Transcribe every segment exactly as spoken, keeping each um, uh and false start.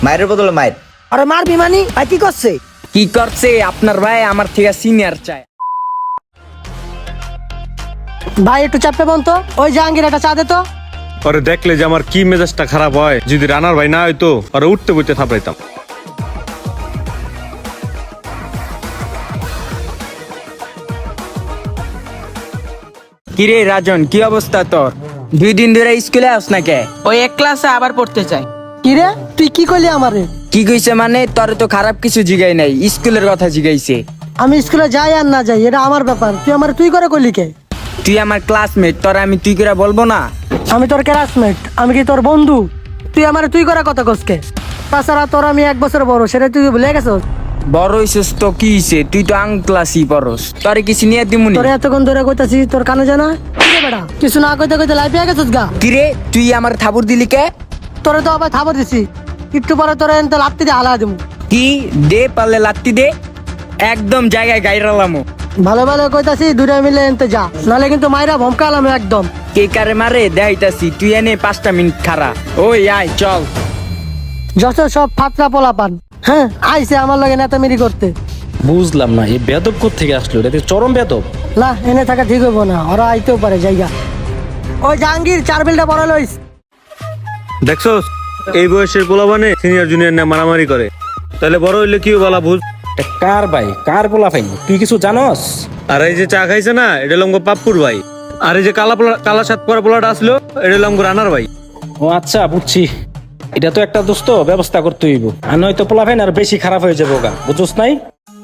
মায়ের বদলে মায়ের। আরে মারবি মানি ভাই কি করছে? কি করছে আপনার ভাই আমার থেকে সিনিয়র চায়। ভাই একটু চাপে বন তো, ওই জাহাঙ্গীর একটা চা দে তো। আরে দেখলে যে আমার কি মেজাজটা খারাপ হয়, যদি রানার ভাই না হইতো আরে উঠতে বইতে থাপড়াইতাম। কিরে রাজন, কি অবস্থা তোর? দুই দিন ধরে স্কুলে আস না কে? ওই এক ক্লাসে আবার পড়তে চাই। কি রে তুই কি করলি আমারে? কি কইছে মানে? তোর তো খারাপ কিছু জিগাই নাই, স্কুলের কথা জিগাইছে। আমি স্কুলে যাই আর না যাই এটা আমার ব্যাপার, তুই আমার তুই করে করলি কে? তুই আমার ক্লাসমেট, তোর আমি তুই করে বলবো না? আমি তোর ক্লাসমেট, আমি কি তোর বন্ধু? তুই আমার তুই করে কথা কসকে? তাছাড়া তোর আমি এক বছর বড়, সেটা তুই ভুলে গেছস? বড় হইছিস তো কি হইছে, তুই তো আং ক্লাসই পড়স, তোর কি সিনিয়র দিমুনি? তোর এতক্ষণ ধরে কইতাছি তোর কানে জানা কি রে বেটা? কিছু না কইতে কইতে লাইফে গেছস গা। কিরে তুই আমার থাবুর দিলি কে? তোরে তো আবার থাবর দিছি, একটু পরে তোরে এনতে লাত্তি দিয়ে হালা দেবো। কি দে পারলে লাত্তি দে, একদম জায়গায় গাইরালামো। ভালো ভালো কইতাছি দুইটা মিলে এনতে যা, নাহলে কিন্তু মাইরা ভমকালাম একদম। কে কারে মারে দেখাইতাছি, তুই এনে পাঁচটা মিনিট খারা। ওই আয় চল। যত সব ফাতরা পোলা পান, হ্যাঁ আইসে আমার লগে নেতামিরি করতে। বুঝলাম না এই বেদব থেকে আসলো, এটা তো চরম বেদব। না এনে থাকা ঠিক হইব না, ওরা আইতেও পারে জায়গা। ওই জাহাঙ্গীর চার বিলটা বড় লইস। দেখছো এই বয়সের পোলাবানে সিনিয়র জুনিয়র না মারামারি করে, তাহলে বড় হইলে কি বলা বুঝ। এটা কার ভাই, কার পোলা ভাই, তুই কিছু জানস? আর এই যে চা খাইছে না, এটা লঙ্গ পাপ্পুর ভাই। আর এই যে কালা পোলা কালা সাত পরা পোলাটা আসলো, এটা লঙ্গ রানার ভাই। ও আচ্ছা বুঝছি, এটা তো একটা দোস্ত ব্যবস্থা করতে হইব, আর নয়তো পোলা ভাই আর বেশি খারাপ হয়ে যাবো গা, বুঝছস নাই?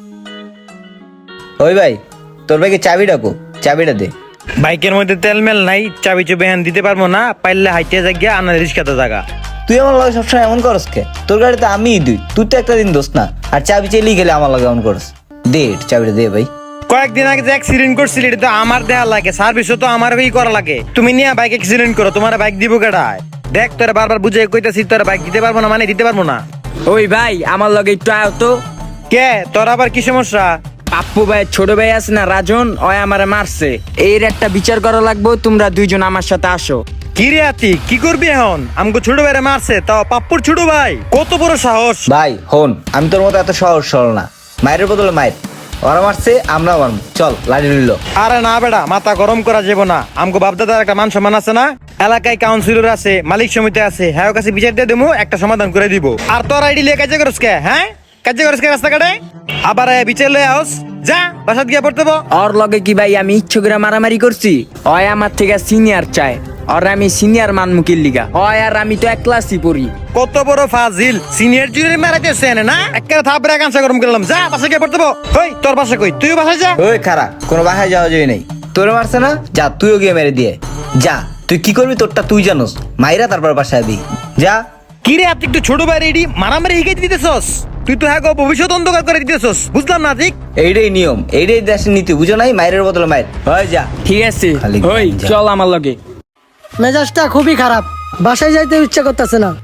ওই ভাই তোর ভাইকে চাবি ডাকো, চাবিটা দে। বাইকের মধ্যে তেল মেল নাই, চাবি চুপি হ্যান দিতে পারবো না, পাইলে হাইটে জায়গা আনার রিস্কাতে জায়গা। তুই আমার লগে সবসময় এমন করস কে? তোর গাড়িতে আমিই দুই, তুই তো একটা দিন দোস না, আর চাবি চেলেই গেলে আমার লগে এমন করস। দে চাবিটা দে ভাই। কয়েকদিন আগে যে অ্যাক্সিডেন্ট করছিলি এটা তো আমার দেয়া লাগে, সার্ভিসও তো আমার ভাই করা লাগে। তুমি নিয়ে বাইক অ্যাক্সিডেন্ট করো, তোমার বাইক দিব কেডায়? দেখ তোরা বারবার বুঝে কইতাছি তোর বাইক দিতে পারবো না, মানে দিতে পারবো না। ওই ভাই আমার লগে একটু আয় তো। কে তোর আবার কি সমস্যা? পাপ্পু ভাই ছোট ভাই আছে না রাজন, ওই আমারে মারছে, এর একটা বিচার করা লাগবো, তোমরা দুইজন আমার সাথে আসো। কি রে আতি, কি করবি এখন? আমাকে ছোট ভাইরে মারছে, তাও পাপ্পুর ছোট ভাই, কত বড় সাহস! ভাই হন, আমি তোর মতো এত সহজ সরল না। মায়ের বদলে মায়ের, ওরা মারছে আমরা মারবো, চল লাড়ি নিল। আরে না বেটা, মাথা গরম করা যাবো না। আমগো বাপদাদার একটা মান সম্মান আছে না, এলাকায় কাউন্সিলর আছে, মালিক সমিতি আছে, হ্যাঁ কাছে বিচার দিয়ে দেবো, একটা সমাধান করে দিব। আর তোর আইডি লিয়ে কাজে করস কে? হ্যাঁ কাজে করস কে রাস্তাঘাটে? আবার আয়া বিচার লয়ে আস, যা বাসাত গিয়া পড়তে বো। ওর লগে কি ভাই আমি ইচ্ছে করে মারামারি করছি? ওই আমার থেকে সিনিয়র চায়, আর আমি সিনিয়র মানমুখির লিগা। ওই আর আমি তো এক ক্লাসই পড়ি। কত বড় ফাজিল, সিনিয়র জুনিয়র মারাইতেছে না? একটা থাপড়া কাঁচা গরম করলাম, যা বাসা গিয়া পড়তে বো। ওই তোর বাসা কই? তুইও বাসায় যা। ওই খারা, কোনো বাসায় যাওয়া যায় নাই। তোরে মারছে না, যা তুইও গিয়ে মেরে দিয়ে যা। তুই কি করবি তোরটা তুই জানোস, মাইরা তারপর বাসায় দি যা। কি রে আপনি একটু ছোট ভাই রেডি মারামারি শিখাই দিতেছস? তুই তো হ্যাঁ ভবিষ্যৎ অন্ধকার করে দিতেছস, বুঝলাম না ঠিক। এইটাই নিয়ম, এইটাই দেশের নীতি, বুঝো নাই? মায়ের বদলে মায়ের, হয় যা। ঠিক আছে খালি ওই যা। চল আমার লগে। মেজাজটা খুবই খারাপ, বাসায় যাইতে ইচ্ছা করতেছে না।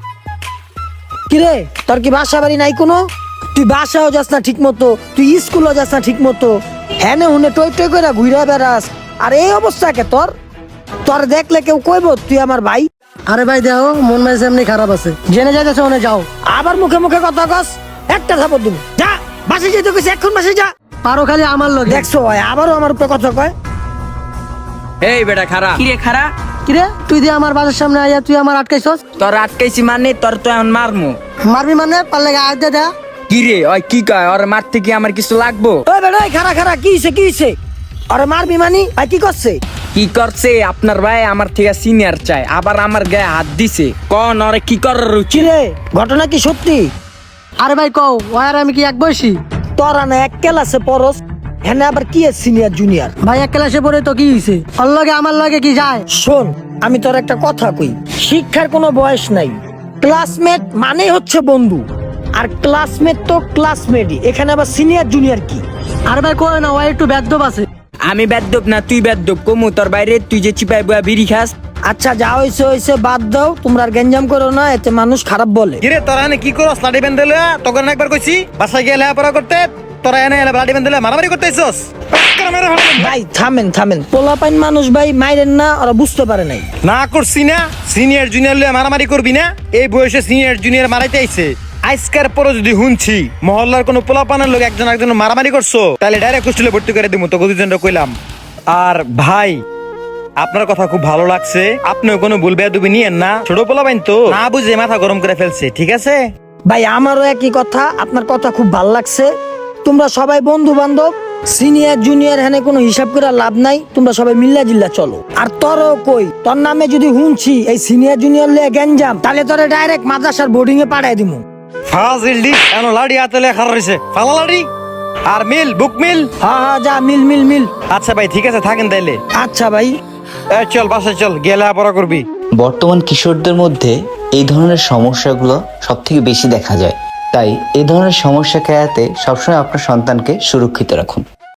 কিরে তোর কি বাসা বাড়ি নাই কোনো? তুই বাসাও যাস না ঠিক মতো, তুই স্কুলও যাস না ঠিক মতো, হ্যাঁ হুনে টই টই করে ঘুরে বেড়াস। আর এই অবস্থা কে তোর? তোর দেখলে কেউ কইব তুই আমার ভাই? আরে ভাই দেখো মন মেজাজ এমনি খারাপ আছে, জেনে যাইতেছে ওনে যাও, আবার মুখে মুখে কথা কস, একটা থাপড় দিব। যা বাসায় যেতে কইছে, এখন বাসায় যা। পারো খালি আমার লোক দেখছো, আবারও আমার উপরে কথা কয়। এই বেটা খারা, কিরে খারা? কিরে তুই দিয়ে আমার বাসার সামনে আইয়া তুই আমার আটকাইছস? তোর আটকাইছি মানে তোর তো এখন মারমু। মারবি মানে পারলে আয় দে দে। কি রে ওই কি কয়, ওর মারতে কি আমার কিছু লাগবো? ওই বেটা এই খারা খারা কি হইছে কি হইছে? আরে মারবি মানি ভাই কি করছে? কি করছে আপনার ভাই আমার থেকে সিনিয়র চায়, আবার আমার গায়ে হাত দিছে। কোন ওরে কি করার কি রুচি? রে ঘটনা কি সত্যি? আরে ভাই কও ওয়ার আমি কি এক বয়সী? তোরা না এক ক্লাসে পড়স, হ্যাঁ আবার কি সিনিয়র জুনিয়র? ভাই এক ক্লাসে পড়ে তো কি হইছে? ওর লগে আমার লগে কি যায়? শোন আমি তোর একটা কথা কই, শিক্ষার কোনো বয়স নাই। ক্লাসমেট মানে হচ্ছে বন্ধু, আর ক্লাসমেট তো ক্লাসমেটই, এখানে আবার সিনিয়র জুনিয়র কি? আরে ভাই কই না, ও একটু বেদ্যপ আছে। আমি বেদ্যপ না তুই বেদ্যপ, কমু তোর বাইরে তুই যে চিপাই বয়া বিড়ি খাস। আচ্ছা যা হইছে হইছে বাদ দাও, তোমরা আর গেঞ্জাম করো না, এতে মানুষ খারাপ বলে। কিরে তোরা এনে কি করস? লাঠি বেঁধে লয়া তখন একবার কইছি বাসায় গিয়ে লেখাপড়া করতে, তোরা এনে লাঠি বেঁধে লয়া মারামারি করতেছস। ভাই থামেন থামেন, পোলাপাইন মানুষ ভাই, মাইরেন না, ওরা বুঝতে পারে নাই। না করছি না, সিনিয়র জুনিয়র লয়া মারামারি করবি না। এই বয়সে সিনিয়র জুনিয়র মারাইতে আইছে, আজকের পরে যদি শুনছি মহল্লার কোনো পোলাপানের লোক একজন একজন মারামারি করছো তাহলে ডাইরেক্ট হোস্টেলে ভর্তি করে দিব তো দুজনটা কইলাম। আর ভাই আপনার কথা খুব ভালো লাগছে, আপনিও কোনো ভুল বেয়াদবি নিয়েন না, ছোট পোলাপাইন তো না বুঝে মাথা গরম করে ফেলছে, ঠিক আছে? ভাই আমারও একই কথা, আপনার কথা খুব ভাল লাগছে। তোমরা সবাই বন্ধু বান্ধব, সিনিয়র জুনিয়র হ্যানে কোনো হিসাব করে লাভ নাই, তোমরা সবাই মিল্লা জিল্লা চলো। আর তোরও কই, তোর নামে যদি শুনছি এই সিনিয়র জুনিয়র লিয়ে গ্যাঞ্জাম, তাহলে তোরে ডাইরেক্ট মাদ্রাসার বোর্ডিং এ পাঠাই দিমু। ফাজিল এনো লাড়ি হাতে লেখা রয়েছে, ফালা লাড়ি আর মিল বুক মিল। হ্যাঁ হ্যাঁ যা, মিল মিল মিল। আচ্ছা ভাই ঠিক আছে, থাকেন তাইলে। আচ্ছা ভাই। এই চল বাসায় চল, গেলে পড়া করবি। বর্তমান কিশোরদের মধ্যে এই ধরনের সমস্যাগুলো সব থেকে বেশি দেখা যায়, তাই এই ধরনের সমস্যা এড়াতে সবসময় আপনার সন্তানকে সুরক্ষিত রাখুন।